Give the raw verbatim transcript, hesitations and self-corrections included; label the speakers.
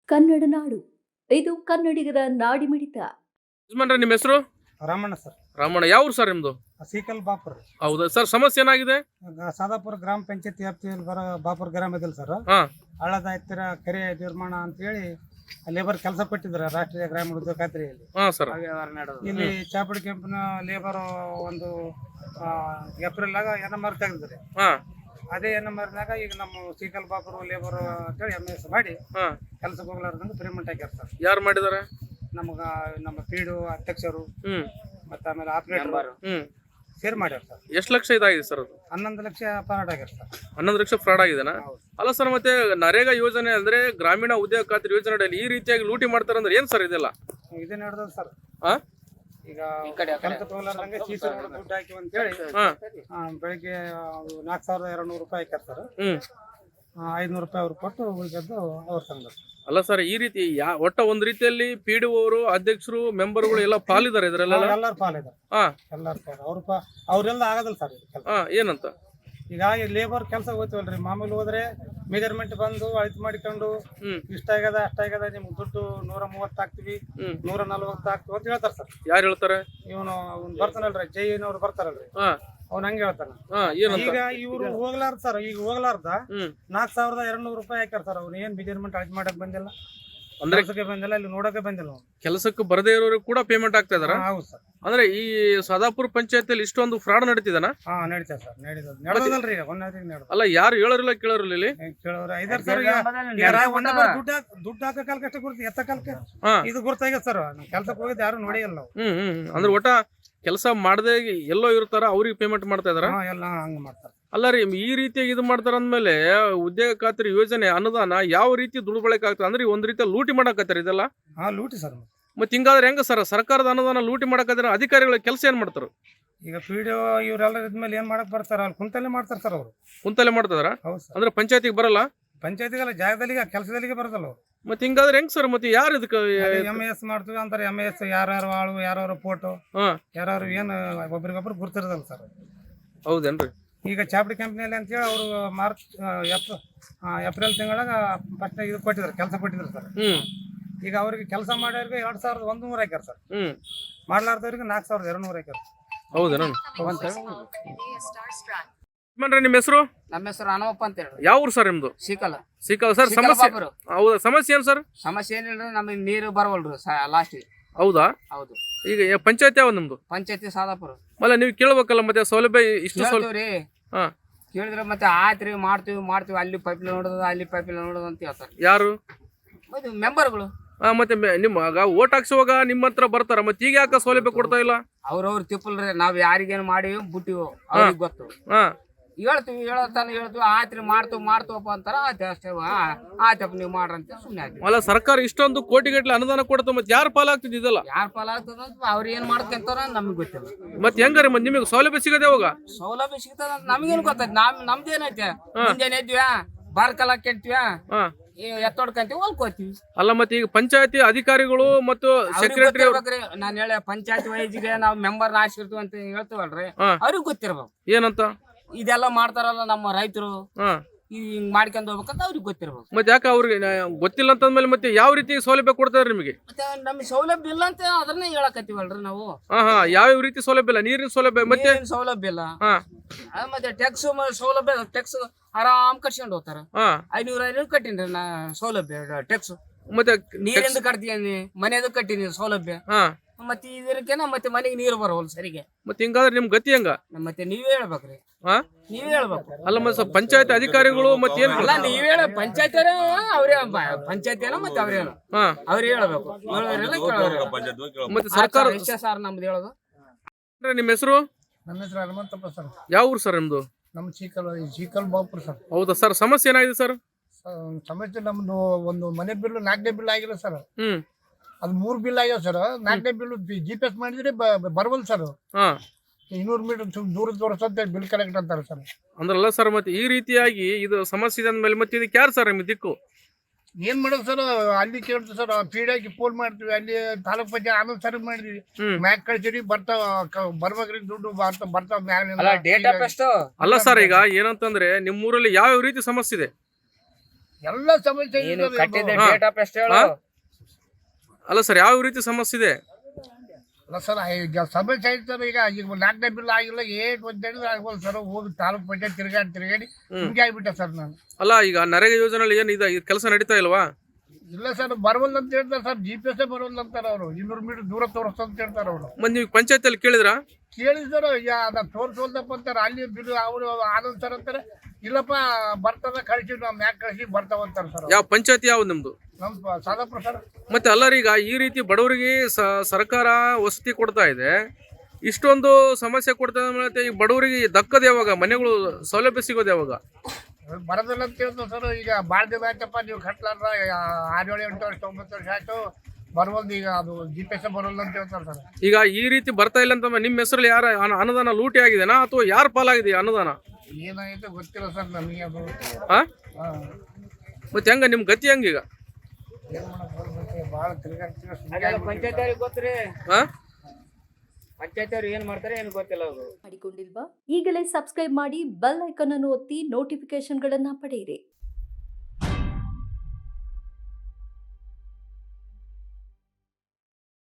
Speaker 1: ಕನ್ನಡ ನಾಡು ಇದು ಕನ್ನಡಿಗರ ನಾಡಿಮಿಡಿತ.
Speaker 2: ಯಜಮಾನ್ರೆ ನಿಮ್ಮ ಹೆಸರು?
Speaker 3: ರಾಮಣ್ಣ ಸರ್.
Speaker 2: ರಾಮಣ್ಣ, ಯಾವ ಊರು ಸರ್ ನಿಮ್ದು?
Speaker 3: ಸೀಕಲ್ ಬಾಪುರ್.
Speaker 2: ಹೌದಾ ಸರ್, ಸಮಸ್ಯೆ ಏನಾಗಿದೆ?
Speaker 3: ಗ- ಸಾದಾಪುರ ಗ್ರಾಮ ಪಂಚಾಯತಿ ವ್ಯಾಪ್ತಿಯಲ್ಲಿ ಬರೋ ಬಾಪುರ್ ಗ್ರಾಮ ಇದಿಲ್ಲ ಸರ್.
Speaker 2: ಹಾ
Speaker 3: ಹಳ್ಳದ ಹತ್ತಿರ ಕೆರೆ ನಿರ್ಮಾಣ ಅಂತೇಳಿ ಲೇಬರ್ ಕೆಲಸ ಕೊಟ್ಟಿದ್ದಾರೆ ರಾಷ್ಟ್ರೀಯ ಗ್ರಾಮೀಣ ಉದ್ಯೋಗ ಖಾತ್ರಿಯಲ್ಲಿ.
Speaker 2: ಹಾ ಸರ್.
Speaker 3: ಇಲ್ಲಿ ಚಾಪಡಿ ಕೆಂಪಿನ ಲೇಬರ್ ಒಂದು ಆ, ಏಪ್ರಿಲ್ ಆಗ ಎನ್ ಎಂ ಆರ್ ತೆಗೆದಿದ್ದಾರೆ.
Speaker 2: ಹಾ
Speaker 3: ಅದೇ ಎನ್ ಎಂ ಆರ್ನಾಗ ಈಗ ನಮ್ಮ ಸೀಕಲ್ ಬಾಪುರ್ ಲೇಬರ್ ಅಂತೇಳಿ ಎಮ್ ಎಸ್ ಮಾಡಿ
Speaker 2: ಹಾ
Speaker 3: ಕೆಲಸಕ್ಕೆ ಹೋಗ್ಲಾರ್ದಂಗೆ ಪೇಮೆಂಟ್ ಹಾಕ್ಯಾರ ಸರ್.
Speaker 2: ಯಾರು ಮಾಡಿದಾರೆ?
Speaker 3: ನಮಗ ನಮ್ಮ ಪೀಡು ಅಧ್ಯಕ್ಷರು
Speaker 2: ಹ್ಮ್
Speaker 3: ಮತ್ತೆ ಆಮೇಲೆ ಆಪರೇಟರ್
Speaker 2: ಹ್ಮ್
Speaker 3: ಸೇರ್ ಮಾಡ್ಯಾರ ಸರ್.
Speaker 2: ಎಷ್ಟು ಲಕ್ಷ ಇದಾಗಿದೆ ಸರ್ ಅದು?
Speaker 3: ಹನ್ನೊಂದು ಲಕ್ಷ ಪಾರಾಟ ಆಗ್ಯಾರ ಸರ್.
Speaker 2: ಹನ್ನೊಂದು ಲಕ್ಷ ಫ್ರಾಡ್ ಆಗಿದೆನಾ?
Speaker 3: ಹೌದು.
Speaker 2: ಅಲ್ಲ ಸರ್, ಮತ್ತೆ ನರೇಗಾ ಯೋಜನೆ ಅಂದ್ರೆ ಗ್ರಾಮೀಣ ಉದ್ಯೋಗ ಖಾತ್ರಿ ಯೋಜನೆ ಅಡಿಯಲ್ಲಿ ಈ ರೀತಿಯಾಗಿ ಲೂಟಿ ಮಾಡ್ತಾರೆ ಅಂದ್ರೆ ಏನ್ ಸರ್ ಇದೆಲ್ಲ?
Speaker 3: ಇದೇ ನಡೆದ ಸರ್.
Speaker 2: ಹಾ
Speaker 3: ಈಗ ಕೆಲಸ ತಗೊಳ್ಳಂಗೆ ಸಿ ಸಿ ರೋಡ್ ದುಡ್ಡು ಹಾಕಿ ಅಂತೇಳಿ
Speaker 2: ಹಾ
Speaker 3: ಆ, ಬೆಳಿಗ್ಗೆ ನಾಲ್ಕು ಸಾವಿರದ ಎರಡು ನೂರು ರೂಪಾಯಿ ಹಾಕ್ಯಾರ ಸರ್.
Speaker 2: ಹ್ಮ್
Speaker 3: ಐದುನೂರು ರೂಪಾಯಿ ಅವ್ರು ಕೊಟ್ಟು ಉಳಿದದ್ದು ಅವ್ರ ತಂದ.
Speaker 2: ಅಲ್ಲ ಸರ್, ಈ ರೀತಿ ಯಾ ಒಟ್ಟ ಒಂದ್ ರೀತಿಯಲ್ಲಿ ಪಿ ಡಿ ಅವರು ಅಧ್ಯಕ್ಷರು ಮೆಂಬರ್ಗಳು ಎಲ್ಲ ಪಾಲಿದ್ದಾರೆ ಇದ್ರಲ್ಲ?
Speaker 3: ಎಲ್ಲಾರು ಪಾಲಿದ್ದಾರೆ.
Speaker 2: ಹಾ
Speaker 3: ಎಲ್ಲಾರು ಪಾಲು ಅವ್ರ ಪಾ ಅವ್ರೆಲ್ಲ ಆಗೋದಿಲ್ಲ ಸರ್ ಇದು ಕೆಲಸ.
Speaker 2: ಹಾ ಏನಂತ?
Speaker 3: ಈಗ ಈ ಲೇಬರ್ ಕೆಲಸ ಹೋಗ್ತೀವಲ್ರಿ, ಮಾಮೂಲಿ ಹೋದ್ರೆ ಮೆಜರ್ಮೆಂಟ್ ಬಂದು ಅಳತೆ ಮಾಡಿಕೊಂಡು
Speaker 2: ಹ್ಮ್
Speaker 3: ಇಷ್ಟ ಆಗ್ಯದ ಅಷ್ಟ ಆಗ್ಯದ ನಿಮ್ಗೆ ದುಡ್ಡು ನೂರ ಮೂವತ್ತು ಹಾಕ್ತಿವಿ
Speaker 2: ಹ್ಮ್
Speaker 3: ನೂರ ನಲ್ವತ್ತು ಹಾಕ್ತಿವಿ ಅಂತ ಹೇಳ್ತಾರೆ ಸರ್.
Speaker 2: ಯಾರು ಹೇಳ್ತಾರೆ?
Speaker 3: ಇವನು ಬರ್ತಾನಲ್ರಿ ಜೈನವ್ರು ಬರ್ತಾರಲ್ರಿ,
Speaker 2: ಹಾ
Speaker 3: ಅವ್ನು ಹಂಗೆ ಹೇಳ್ತಾನ.
Speaker 2: ಹಾ ಏನಂತ?
Speaker 3: ಈಗ ಇವ್ರು ಹೋಗ್ಲಾರ್ದ ಸರ್, ಈಗ ಹೋಗ್ಲಾರ್ದ
Speaker 2: ಹ್ಮ್
Speaker 3: ನಾಲ್ಕು ಸಾವಿರದ ಎರಡು ನೂರು ರೂಪಾಯಿ ಹಾಕ್ಯಾರ ಸರ್. ಅವ್ರು ಏನ್ ಮೆಜರ್ಮೆಂಟ್ ಅಳತೆ ಮಾಡಕ್ ಬಂದಿಲ್ಲ,
Speaker 2: ಅಂದ್ರೆ
Speaker 3: ಕೆಲಸಕ್ಕೆ ಬಂದಿಲ್ಲ, ಇಲ್ಲಿ ನೋಡಕ್ಕೆ ಬಂದಿಲ್ಲ ಅವ್ನು.
Speaker 2: ಕೆಲಸಕ್ಕೆ ಬರದೇ ಇರೋರು ಕೂಡ ಪೇಮೆಂಟ್ ಆಗ್ತಾ ಇದಾರ?
Speaker 3: ಹಾ, ಹೌದು ಸರ್.
Speaker 2: ಅಂದ್ರೆ ಈ ಸದಾಪುರ ಪಂಚಾಯತಿಯಲ್ಲಿ ಇಷ್ಟೊಂದು ಫ್ರಾಡ್ ನಡೀತಿದಾನ?
Speaker 3: ಹಾ ನಡೀತದೆ ಸರ್, ನಡೀತದೆ. ನಡೆದಲ್ರಿ ಈಗ ಒಂದೇ ನಡೆದ
Speaker 2: ಅಲ್ಲ, ಯಾರು ಹೇಳೋರಿಲ್ಲ ಕೇಳೋರಿಲ್ಲ ಇಲ್ಲಿ?
Speaker 3: ಕೇಳೋರು ಐದಾರು ಸರ್. ಈಗ ಈಗ ರಾ- ಒಂದೇ ಬಾರಿ ದುಡ್ಡು ಹಾಕ್- ದುಡ್ಡು ಹಾಕೋ ಕಾಲಕ್ಕೆ ಅಷ್ಟೇ ಗುರ್ತು, ಎತ್ತ ಕಾಲಕ್ಕೆ
Speaker 2: ಹಾ
Speaker 3: ಇದು ಗುರ್ತಾಗ್ಯದ ಸರ್. ಕೆಲ್ಸಕ್ಕೆ ಹೋಗಿದ್ದು ಯಾರು ನೋಡಿಯಲ್ಲ ನಾವು.
Speaker 2: ಹ್ಮ್ ಹ್ಮ್ ಹ್ಮ್. ಅಂದ್ರೆ ಒಟ್ಟ ಕೆಲಸ ಮಾಡದೆ ಎಲ್ಲೋ ಇರ್ತಾರ, ಅವ್ರಿಗೆ ಪೇಮೆಂಟ್ ಮಾಡ್ತಾ ಇದಾರ?
Speaker 3: ಹಾ, ಎಲ್ಲ ಹಂಗ ಮಾಡ್ತಾರೆ.
Speaker 2: ಅಲ್ಲ ರೀ, ಈ ರೀತಿಯಾಗಿ ಇದು ಮಾಡ್ತಾರ ಅಂದ್ಮೇಲೆ ಉದ್ಯೋಗ ಖಾತ್ರಿ ಯೋಜನೆ ಅನುದಾನ ಯಾವ ರೀತಿ ದುಡ್ಬಳಕೆ ಆಗ್ತದೆ? ಅಂದ್ರೆ ಒಂದ್ ರೀತಿಯ ಲೂಟಿ ಮಾಡಕತ್ತಾರ ಇದೆಲ್ಲ.
Speaker 3: ಹಾ, ಲೂಟಿ ಸರ್.
Speaker 2: ಮತ್ತೆ ಹಿಂಗಾದ್ರೆ ಹೆಂಗ ಸರ್? ಸರ್ಕಾರದ ಅನುದಾನ ಲೂಟಿ ಮಾಡಕತ್ತಾರ, ಅಧಿಕಾರಿಗಳ ಕೆಲಸ ಏನ್ ಮಾಡ್ತಾರ?
Speaker 3: ಈಗ ಪಿ ಡಿ ಒ ಇವರೆಲ್ಲ ಇದ್ಮೇಲೆ ಏನ್ ಮಾಡಕ್ ಬರ್ತಾರ? ಅಲ್ಲಿ ಕುಂತಲ್ಲೇ ಮಾಡ್ತಾರ ಸರ್ ಅವರು.
Speaker 2: ಕುಂತಲೆ ಮಾಡ್ತದಾರ?
Speaker 3: ಹೌದು ಸರ್.
Speaker 2: ಅಂದ್ರೆ ಪಂಚಾಯತಿಗೆ ಬರಲ್ಲ?
Speaker 3: ಪಂಚಾಯತಿಗೆಲ್ಲ ಜಾಗದಲ್ಲಿ ಕೆಲಸದಲ್ಲಿಗೆ ಬರೋದಲ್ಲ ಅವ್ರು.
Speaker 2: ಮತ್ತೆ ಹಿಂಗಾದ್ರೆ ಹೆಂಗ್ ಸರ್? ಮತ್ತೆ ಯಾರು ಇದಕ್ಕೆ?
Speaker 3: ಎಮ್ ಎಸ್ ಮಾಡ್ತೀವಿ ಅಂತಾರೆ. ಎಮ್ ಎಸ್ ಯಾರ್ಯಾರು ಆಳು, ಯಾರ್ಯಾರು ಫೋಟೋ,
Speaker 2: ಹಾ
Speaker 3: ಯಾರು ಏನು ಒಬ್ರಿಗೊಬ್ರು ಗುರ್ತಿರೋದಲ್ಲ ಸರ್.
Speaker 2: ಹೌದೇನ್ರಿ?
Speaker 3: ಈಗ ಚಾಪಡಿ ಕಂಪ್ನಿಯಲ್ಲಿ ಅಂತೇಳಿ ಅವರು ಮಾರ್ಚ್ ಏಪ್ರಿಲ್ ಏಪ್ರಿಲ್ ತಿಂಗಳಾಗ ಫಸ್ಟ್ ಇದು ಕೊಟ್ಟಿದ್ರು, ಕೆಲಸ ಕೊಟ್ಟಿದ್ರು ಸರ್.
Speaker 2: ಹ್ಮ್
Speaker 3: ಈಗ ಅವ್ರಿಗೆ ಕೆಲಸ ಮಾಡೋರಿಗೆ ಎರಡ್ ಸಾವಿರದ ಒಂದು ನೂರ ಹಾಕ್ಯಾರ ಸರ್.
Speaker 2: ಹ್ಮ್
Speaker 3: ಮಾಡ್ಲಾರ್ದವ್ರಿಗೆ ನಾಲ್ಕು ಸಾವಿರದ ಎರಡು ನೂರ ಹಾಕ್ಯಾರ.
Speaker 2: ಹೌದೇನ? ಯಜಮಾನ್ರೆ, ನಿಮ್ಮ ಹೆಸರು?
Speaker 4: ನಮ್ಮ ಹೆಸರು ಹನುಮಪ್ಪ ಅಂತ ಹೇಳಿ.
Speaker 2: ಯಾವ ಊರು ಸರ್ ನಿಮ್ದು?
Speaker 4: ಸಿಕ್ಕಲ್ಲ
Speaker 2: ಸಿಕ್ಕಲ್ಲ ಸರ್. ಸಮಸ್ಯೆ
Speaker 4: ಬಾಪುರ.
Speaker 2: ಹೌದಾ? ಸಮಸ್ಯೆ ಏನ್ ಸರ್?
Speaker 4: ಸಮಸ್ಯೆ ಏನಿಲ್ರಿ, ನಮಗೆ ನೀರು ಬರವಲ್ರಿ ಲಾಸ್ಟ್.
Speaker 2: ಹೌದಾ?
Speaker 4: ಹೌದು.
Speaker 2: ಈಗ ಪಂಚಾಯತ್ ಯಾವ ನಿಮ್ದು?
Speaker 4: ಪಂಚಾಯತಿ ಸಾದಾಪುರ.
Speaker 2: ಮಲ್ಲ ನೀವು ಕೇಳ್ಬೇಕಲ್ಲ, ಮತ್ತೆ ಸೌಲಭ್ಯ ಇಷ್ಟು ಸೌಲಭ್ಯ.
Speaker 4: ಕೇಳ್ತೀವ್ರಿ,
Speaker 2: ಹಾ
Speaker 4: ಕೇಳಿದ್ರೆ ಮತ್ತೆ ಆಯ್ತ್ರಿ ಮಾಡ್ತೀವಿ ಮಾಡ್ತೀವಿ ಅಲ್ಲಿ ಪೈಪ್ ನೋಡೋದು ಅಲ್ಲಿ ಪೈಪ್ ನೋಡೋದು ಅಂತ ಹೇಳ್ತಾರೆ.
Speaker 2: ಯಾರು?
Speaker 4: ಮತ್ತೆ ಮೆಂಬರ್ಗಳು.
Speaker 2: ಹಾ ಮತ್ತೆ ಮೆ- ನಿಮ್ಮ ಓಟ್ ಹಾಕ್ಸುವಾಗ ನಿಮ್ಮ ಹತ್ರ ಬರ್ತಾರ, ಮತ್ತೆ ಈಗ ಯಾಕೆ ಸೌಲಭ್ಯ ಕೊಡ್ತಾ ಇಲ್ಲ?
Speaker 4: ಅವ್ರವ್ರು ತಿಪ್ಪಲ್ರಿ, ನಾವ್ ಯಾರಿಗೇನು ಮಾಡಿವಿ ಬಿಟ್ಟಿವು, ಅವ್ರಿಗೆ ಗೊತ್ತು.
Speaker 2: ಹಾ
Speaker 4: ಹೇಳ್ತೀವಿ, ಹೇಳತ್ತಾನ ಹೇಳ್ತೀವಿ, ಆಯ್ತ್ರಿ ಮಾಡ್ತೀವಿ ಮಾಡ್ತೀವಪ್ಪ ಅಂತಾರ. ಆಯ್ತು ಅಷ್ಟೇ, ಆಯ್ತಪ್ಪ ನೀವು ಮಾಡ್ರಂತ ಸುಮ್ಮನೆ ಆಯ್ತು.
Speaker 2: ಅಲ್ಲ, ಸರ್ಕಾರ ಇಷ್ಟೊಂದು ಕೋಟಿಗಟ್ಟಲೆ ಅನುದಾನ ಕೊಡ್ತಾ ಮತ್ತೆ ಯಾರು ಪಾಲಾಗ್ತಿದ್ ಇದೆಲ್ಲ?
Speaker 4: ಯಾರ ಪಾಲ ಆಗ್ತದ ಅವ್ರು ಏನ್ ಮಾಡ್ಕೊಂತಾರ ನಮ್ಗೆ ಗೊತ್ತಿಲ್ಲ.
Speaker 2: ಮತ್ತೆ ಹೆಂಗಾರಿ ಮತ್ತೆ ನಿಮಗೆ ಸೌಲಭ್ಯ ಸಿಗದೆ ಹೋಗ?
Speaker 4: ಸೌಲಭ್ಯ ಸಿಗ್ತದ ಅಂತ ನಮಗೇನು ಗೊತ್ತೈತಿ? ನಮ್ ನಮ್ದೇನೈತೆ? ಮುಂಜಾನೆ ಎದ್ವಿಯಾ, ಬಾರ್ಕಲ ಕೆಟ್ವಿಯಾ,
Speaker 2: ಹಾ
Speaker 4: ಎತ್ತೊಡ್ಕಂತೀವಿ, ಹೊಲ್ಕೋತೀವಿ.
Speaker 2: ಅಲ್ಲ, ಮತ್ತೆ ಈಗ ಪಂಚಾಯತಿ ಅಧಿಕಾರಿಗಳು ಮತ್ತು ಸೆಕ್ರೆಟರಿ
Speaker 4: ನಾನು ಹೇಳ ಪಂಚಾಯತ್ ವೈಜ್ಗೆ ನಾವು ಮೆಂಬರ್ ಆರಿಸಿರ್ತೀವಿ ಅಂತ ಹೇಳ್ತೀವಲ್ರಿ,
Speaker 2: ಹಾ.
Speaker 4: ಅವ್ರಿಗೆ ಗೊತ್ತಿರ್ಬೇಕು
Speaker 2: ಏನಂತ?
Speaker 4: ಇದೆಲ್ಲ ಮಾಡ್ತಾರಲ್ಲ ನಮ್ಮ ರೈತರು,
Speaker 2: ಹಾ
Speaker 4: ಹಿಂಗ್ ಮಾಡ್ಕೊಂಡ್ ಹೋಗ್ಬೇಕಂತ ಅವ್ರಿಗೆ ಗೊತ್ತಿರ್ಬೇಕು.
Speaker 2: ಮತ್ತೆ ಯಾಕೆ ಅವ್ರಿಗೆ ನ- ಗೊತ್ತಿಲ್ಲ ಅಂತಂದ್ಮೇಲೆ ಮತ್ತೆ ಯಾವ ರೀತಿ ಸೌಲಭ್ಯ ಕೊಡ್ತಾರೆ ನಿಮಗೆ?
Speaker 4: ಮತ್ತೆ ನಮ್ಗೆ ಸೌಲಭ್ಯ ಇಲ್ಲ ಅಂತ ಅದನ್ನೇ ಹೇಳಕತ್ತೀವಲ್ರಿ ನಾವು.
Speaker 2: ಹಾ ಹಾ ಯಾವ ರೀತಿ ಸೌಲಭ್ಯ ಇಲ್ಲ? ನೀರಿನ ಸೌಲಭ್ಯ ಮತ್ತೆ?
Speaker 4: ಏನ್ ಸೌಲಭ್ಯ ಇಲ್ಲ.
Speaker 2: ಹಾ
Speaker 4: ಆ, ಮತ್ತೆ ಟ್ಯಾಕ್ಸ್ ಸೌಲಭ್ಯ, ಟ್ಯಾಕ್ಸ್ ಆರಾಮ್ ಕಟ್ಸ್ಕೊಂಡು ಹೋಗ್ತಾರ.
Speaker 2: ಹಾ
Speaker 4: ಐನೂರ ಐನೂರು ಕಟ್ಟಿನ್ರಿ ನಾ ಸೌಲಭ್ಯ ಟ್ಯಾಕ್ಸ್.
Speaker 2: ಮತ್ತೆ
Speaker 4: ನೀರಿಂದ ಕಟ್ತೀನಿ, ಮನೆಯದು ಕಟ್ಟಿನಿ ಸೌಲಭ್ಯ.
Speaker 2: ಹಾ
Speaker 4: ಮತ್ತೆ ಇದಕ್ಕೆನ ಮತ್ತೆ ಮನೆಗೆ ನೀರು ಬರೋಲ್ಲ ಸರಿಗೆ.
Speaker 2: ಮತ್ತೆ ಹಿಂಗಾದ್ರೆ ನಿಮ್ ಗತಿ ಹೆಂಗ?
Speaker 4: ಮತ್ತೆ ನೀವೇ ಹೇಳ್ಬೇಕ್ರಿ,
Speaker 2: ಹಾ
Speaker 4: ನೀವೇ ಹೇಳ್ಬೇಕು.
Speaker 2: ಅಲ್ಲ ಮತ್ತೆ ಸ್ವಲ್ಪ ಪಂಚಾಯತ್ ಅಧಿಕಾರಿಗಳು ಮತ್ತೆ ಏನ್?
Speaker 4: ಅಲ್ಲ ನೀವೇ ಹೇಳ, ಪಂಚಾಯತ್ ಅವ್ರೇ, ಪಂಚಾಯತ್ ಏನೋ ಮತ್ತೆ ಅವ್ರೇನು
Speaker 2: ಹಾ
Speaker 4: ಅವ್ರೇ ಹೇಳ್ಬೇಕು. ಹೇಳೋರೆಲ್ಲ ಕೇಳೋರೆಲ್ಲ.
Speaker 2: ಮತ್ತೆ ಸರ್ಕಾರ
Speaker 4: ಇಷ್ಟ ಸರ್ ನಮ್ದು ಹೇಳೋದು.
Speaker 2: ನಿಮ್ಮ ಹೆಸರು?
Speaker 3: ನನ್ನ ಹೆಸರು ಹನುಮಂತಪ್ಪ ಸರ್.
Speaker 2: ಯಾವ ಊರು ಸರ್ ನಿಮ್ದು?
Speaker 3: ನಮ್ಮ ಚೀಕಲ್ ಚೀಕಲ್ ಬಾಪುರ್ ಸರ್.
Speaker 2: ಹೌದಾ ಸರ್? ಸಮಸ್ಯೆ ಏನಾಗಿದೆ ಸರ್?
Speaker 3: ಸಮಸ್ಯೆ ನಮ್ದು ಒಂದು ಮನೆ ಬಿಲ್ ನಾಲ್ಕನೇ ಬಿಲ್ ಆಗಿಲ್ಲ ಸರ್.
Speaker 2: ಹ್ಮ್
Speaker 3: ಅದು ಮೂರು ಬಿಲ್ ಆಗ್ಯಾವ ಸರ್. ನಾಲ್ಕನೇ ಬಿಲ್ ಜಿ ಪಿ ಎಸ್ ಮಾಡಿದ್ರೆ ಬರವಲ್ ಸರ್.
Speaker 2: ಹಾ
Speaker 3: ಇನ್ನೂರು ಮೀಟರ್ ದೂರದ ತೋರಿಸಂತ ಬಿಲ್ ಕಲೆಕ್ಟ್ ಅಂತಾರೆ ಸರ್.
Speaker 2: ಅಂದ್ರಲ್ಲ ಸರ್, ಮತ್ತೆ ಈ ರೀತಿಯಾಗಿ ಇದು ಸಮಸ್ಯೆ ಇದೆ ಅಂದ್ಮೇಲೆ ಮತ್ತೆ ಇದಕ್ಕೆ ಯಾರು ಸರ್ ನಿಮ್ಗೆ ದಿಕ್ಕು?
Speaker 3: ಏನ್ ಮಾಡೋದು ಸರ್? ಅಲ್ಲಿ ಕೇಳ್ತೀವಿ ಸರ್, ಪೀಡಿಯಾಗಿ ಫೋನ್ ಮಾಡ್ತೀವಿ, ಅಲ್ಲಿ ತಾಲೂಕ್ ಪಂಚಾಯತ್ ಆಮೇಲೆ ಸರಿ ಮಾಡಿದ್ವಿ,
Speaker 2: ಹ್ಮ್
Speaker 3: ಮ್ಯಾಕ್ ಕಳ್ಸಿರಿ ಬರ್ತಾವ, ಬರ್ಬೇಕ್ರಿ ದುಡ್ಡು ಬರ್ತಾವ ಬರ್ತಾವ
Speaker 4: ಅಲ್ಲ ಡೇಟ್ ಆಫ್ ಎಷ್ಟು?
Speaker 2: ಅಲ್ಲ ಸರ್, ಈಗ ಏನಂತಂದ್ರೆ ನಿಮ್ಮ ಊರಲ್ಲಿ ಯಾವ ಯಾವ ರೀತಿ ಸಮಸ್ಯೆ ಇದೆ?
Speaker 5: ಎಲ್ಲ ಸಮಸ್ಯೆ
Speaker 4: ನೀನು
Speaker 5: ಇರ್ತದೆ
Speaker 4: ಕಟ್ಟಿದ
Speaker 5: ಇದು.
Speaker 2: ಹಾ.
Speaker 4: ಡೇಟ್ ಆಫ್ ಎಷ್ಟು ಹೇಳು
Speaker 2: ಹಾ? ಅಲ್ಲ ಸರ್ ಯಾವ ರೀತಿ ಸಮಸ್ಯೆ ಇದೆ?
Speaker 5: ಅಲ್ಲ ಸರ್ ಈಗ ಸಮಸ್ಯೆ ಐತೆ ಸರ್. ಈಗ ಈಗ ನಾಲ್ಕನೇ ಬಿಲ್ ಆಗಿಲ್ಲ ಏಟ್ ಒಂದೇಳಿದ್ರೆ ಆಗ್ಬೋದು ಸರ್. ಹೋಗಿ ತಾಲೂಕ್ ಪಂಚಾಯತ್ ತಿರುಗಾಡಿ ತಿರುಗಾಡಿ ಹಿಂಗೆ ಆಗ್ಬಿಟ್ಟೆ ಸರ್ ನಾನು.
Speaker 2: ಅಲ್ಲ ಈಗ ನರೇಗಾ ಯೋಜನೆಯಲ್ಲಿ ಏನ್ ಇದೆ ಕೆಲಸ ನಡೀತಾ ಇಲ್ವಾ?
Speaker 5: ಇಲ್ಲ ಸರ್ ಬರವಲ್ಲ ಅಂತ ಹೇಳ್ತಾರೆ ಸರ್. ಜಿ ಪಿ ಎಸ್ ಬರವಲ್ಲ ಅಂತಾರೆ ಅವರು. ಇನ್ನೂರು ಮೀಟರ್ ದೂರ ತೋರಿಸ್ತ ಅಂತ ಹೇಳ್ತಾರೆ ಅವರು.
Speaker 2: ಮತ್ತೆ ನೀವು ಪಂಚಾಯತಿಯಲ್ಲಿ ಕೇಳಿದ್ರಾ?
Speaker 5: ಕೇಳಿದ್ರು ಈಗ ಅದನ್ನ ತೋರಿಸೋದಪ್ಪ ಅಂತಾರೆ. ಅಲ್ಲಿ ಬಿಲ್ ಅವರು ಆನಂದ್ ಸರ್ ಅಂತಾರೆ ಇಲ್ಲಪ್ಪ ಬರ್ತದ ಕಳಿಸಿ ನಾವು ಮ್ಯಾಕ್ ಕಳಿಸಿ ಬರ್ತಾವಂತಾರೆ ಸರ್.
Speaker 2: ಯಾವ ಪಂಚಾಯತಿ ಯಾವ್ದು ನಿಮ್ದು?
Speaker 5: ನಮ್ಮ ಸಾದಾಪುರ ಸರ್.
Speaker 2: ಮತ್ತೆ ಅಲ್ಲರೀಗ ಈ ರೀತಿ ಬಡವರಿಗೆ ಸ- ಸರ್ಕಾರ ವಸತಿ ಕೊಡ್ತಾ ಇದೆ, ಇಷ್ಟೊಂದು ಸಮಸ್ಯೆ ಕೊಡ್ತಾ ಇದೆ, ಮತ್ತೆ ಈ ಬಡವರಿಗೆ ದಕ್ಕದ ಯಾವಾಗ? ಮನೆಗಳು ಸೌಲಭ್ಯ ಸಿಗೋದು ಯಾವಾಗ?
Speaker 5: ಬರೋದಿಲ್ಲ ಅಂತ ಹೇಳ್ತಾರೆ ಸರ್. ಈಗ ಭಾಳ ದಿನ ಆಯ್ತಪ್ಪ ನೀವು ಕಟ್ಲಾರ್ದ ಆರು ಏಳು ಎಂಟು ವರ್ಷ ಒಂಬತ್ತು ವರ್ಷ ಆಯ್ತು ಬರವಲ್ದು. ಈಗ ಅದು ಜಿ ಪಿ ಎಸ್ ಬರೋಲ್ಲ ಅಂತ ಹೇಳ್ತಾರೆ ಸರ್.
Speaker 2: ಈಗ ಈ ರೀತಿ ಬರ್ತಾ ಇಲ್ಲ ಅಂತ ನಿಮ್ಮ ಹೆಸರಲ್ಲಿ ಯಾರ ಅನ- ಅನುದಾನ ಲೂಟಿ ಆಗಿದೆನಾ ಅಥವಾ ಯಾರ ಪಾಲಾಗಿದೆ ಈ ಅನುದಾನ?
Speaker 5: ಏನಾಯ್ತು ಗೊತ್ತಿಲ್ಲ ಸರ್ ನಮಗೆ ಅದು.
Speaker 2: ಹಾ
Speaker 5: ಹಾಂ
Speaker 2: ಮತ್ತೆ ಹೆಂಗ ನಿಮ್ ಗತಿ ಹೆಂಗೀಗ?
Speaker 5: ಏನು ಮಾಡೋದು ಭಾಳ ತಿರುಗಾಡ್ತೀವಿ.
Speaker 4: ಪಂಚಾಯತ್ ಅವ್ರಿಗೆ ಗೊತ್ತ್ರಿ,
Speaker 2: ಹಾ
Speaker 4: ಪಂಚಾಯತ್ ಅವ್ರು ಏನ್ ಮಾಡ್ತಾರೆ ಏನು ಗೊತ್ತಿಲ್ಲ ಅವರು.
Speaker 1: ಮಾಡಿಕೊಂಡಿಲ್ವಾ? ಈಗಲೇ ಸಬ್ಸ್ಕ್ರೈಬ್ ಮಾಡಿ ಬೆಲ್ ಐಕಾನ್ ಅನ್ನು ಒತ್ತಿ ನೋಟಿಫಿಕೇಶನ್ಗಳನ್ನ ಪಡೆಯಿರಿ.